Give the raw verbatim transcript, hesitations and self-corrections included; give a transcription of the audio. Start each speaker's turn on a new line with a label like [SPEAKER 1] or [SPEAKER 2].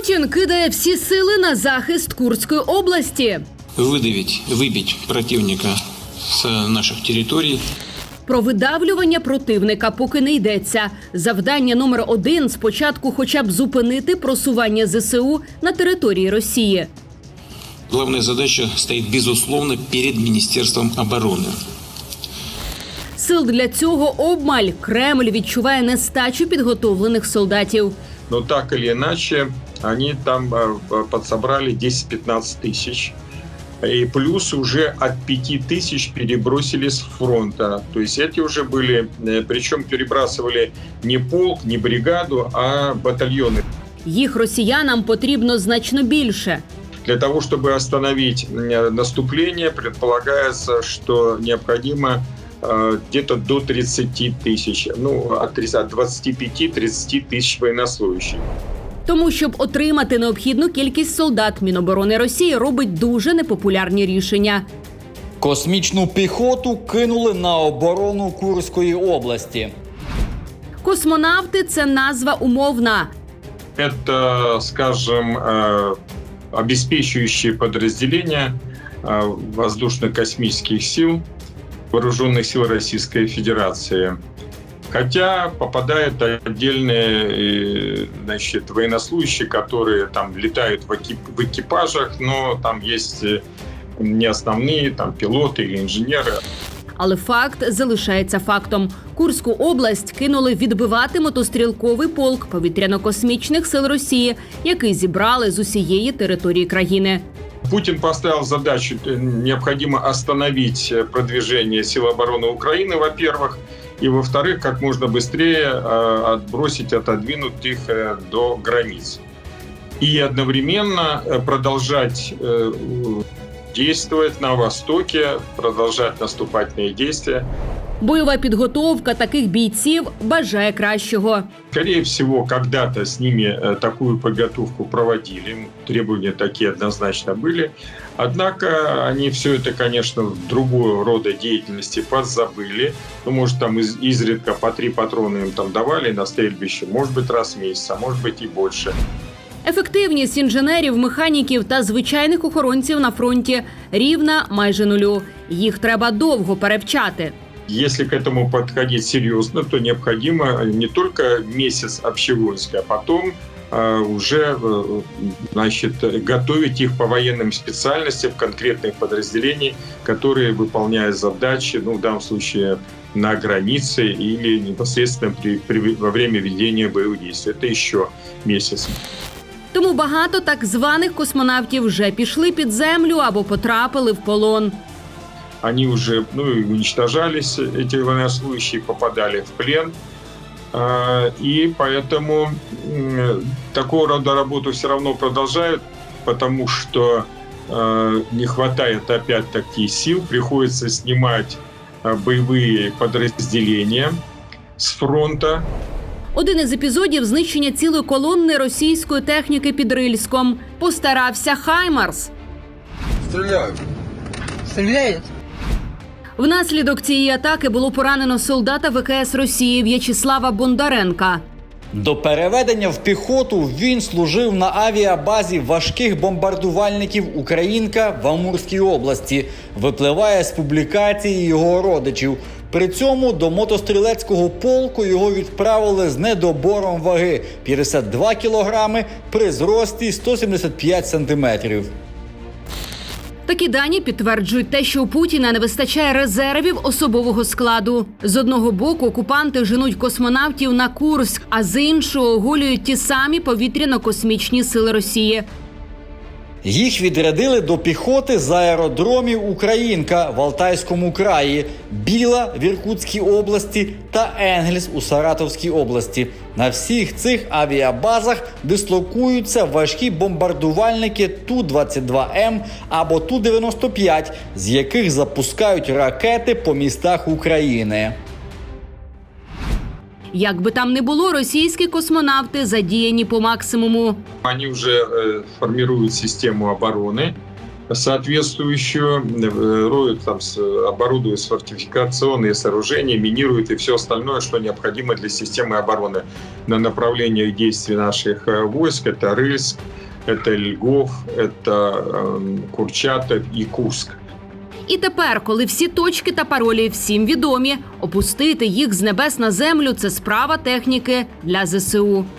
[SPEAKER 1] Путін кидає всі сили на захист Курської області.
[SPEAKER 2] Видавити, вибити противника з наших територій.
[SPEAKER 1] Про видавлювання противника поки не йдеться. Завдання номер один – спочатку хоча б зупинити просування зе се у на території Росії.
[SPEAKER 2] Головна задача стоїть, безусловно, перед Міністерством оборони.
[SPEAKER 1] Сил для цього обмаль. Кремль відчуває нестачу підготовлених солдатів.
[SPEAKER 3] Но так или иначе, они там подсобрали десять-пятнадцать тысяч. И плюс уже от пяти тысяч перебросили с фронта. То есть эти уже были, причем перебрасывали не полк, не бригаду, а батальоны.
[SPEAKER 1] Їх росіянам потрібно значно більше.
[SPEAKER 3] Для того, чтобы остановить наступление, предполагается, что необходимо где-то до тридцати тысяч, ну, от двадцати пяти до тридцати тысяч военнослужащих.
[SPEAKER 1] Тому, щоб отримати необхідну кількість солдат, Міноборони Росії робить дуже непопулярні рішення.
[SPEAKER 4] Космічну піхоту кинули на оборону Курської області.
[SPEAKER 1] Космонавти – це назва умовна.
[SPEAKER 3] Это, скажем, обеспечивающие подразделения воздушно-космических сил, вооруженных сил Российской Федерации. Хотя попадают отдельные, значит, военнослужащие, которые там летают в, экип, в экипажах, но там есть не основные там пилоты или инженеры.
[SPEAKER 1] Але факт залишається фактом. Курську область кинули відбивати мотострілковий полк повітряно-космічних сил Росії, який зібрали з усієї території країни.
[SPEAKER 3] Путин поставил задачу, необходимо остановить продвижение сил обороны Украины, во-первых, и, во-вторых, как можно быстрее отбросить, отодвинуть их до границ. И одновременно продолжать действовать на Востоке, продолжать наступательные действия.
[SPEAKER 1] Бойова підготовка таких бійців бажає кращого.
[SPEAKER 3] Скорее всего, когда-то с ними такую подготовку проводили, требования такие однозначно были. Однако они все это, конечно, другого рода деятельности подзабыли. Ну, может, там из, изредка по три патрона им там давали на стрельбище, может быть, раз в месяц, а может быть и больше.
[SPEAKER 1] Ефективність інженерів, механіків та звичайних охоронців на фронті рівна майже нулю. Їх треба довго перевчати.
[SPEAKER 3] Если к этому подходить серьезно, то необходимо не только месяц общевойска, а потом э, уже э, значит, готовить их по военным специальностям конкретных подразделений, которые выполняют задачи, ну, в данном случае на границе или непосредственно при, при, во время ведения боевых действий. Это еще месяц.
[SPEAKER 1] Тому багато так званих космонавтів вже пішли під землю або потрапили в полон.
[SPEAKER 3] Они уже, ну, уничтожались, эти военнослужащие попадали в плен. И поэтому такого рода работу все равно продолжают, потому что не хватает опять-таки сил, приходится снимать боевые подразделения с фронта.
[SPEAKER 1] Один із епізодів знищення цілої колонни російської техніки під Рильськом. Постарався Хаймарс.
[SPEAKER 5] Стріляють.
[SPEAKER 6] Стріляють?
[SPEAKER 1] Внаслідок цієї атаки було поранено солдата ве ке ес Росії В'ячеслава Бондаренка.
[SPEAKER 4] До переведення в піхоту він служив на авіабазі важких бомбардувальників «Українка» в Амурській області. Випливає з публікації його родичів. При цьому до мотострілецького полку його відправили з недобором ваги – п'ятдесят два кілограми при зрості сто сімдесят п'ять сантиметрів.
[SPEAKER 1] Такі дані підтверджують те, що у Путіна не вистачає резервів особового складу. З одного боку окупанти женуть космонавтів на Курськ, а з іншого оголюють ті самі повітряно-космічні сили Росії.
[SPEAKER 4] Їх відрядили до піхоти з аеродромів «Українка» в Алтайському краї, Біла в Іркутській області та Енгельс у Саратовській області. На всіх цих авіабазах дислокуються важкі бомбардувальники Ту двадцять два Ем або Ту дев'яносто п'ять, з яких запускають ракети по містах України.
[SPEAKER 1] Як би там не було, російські космонавти задіяні по максимуму.
[SPEAKER 3] Они уже э, формируют систему обороны, соответствующую, э, роют, там, с- оборудуют фортификационные сооружения, минируют и все остальное, что необходимо для системы обороны на направлениях действий наших э, войск. Это Рыльск, это Льгов, это э, Курчатов и Курск.
[SPEAKER 1] І тепер, коли всі точки та паролі всім відомі, опустити їх з небес на землю – це справа техніки для зе се у.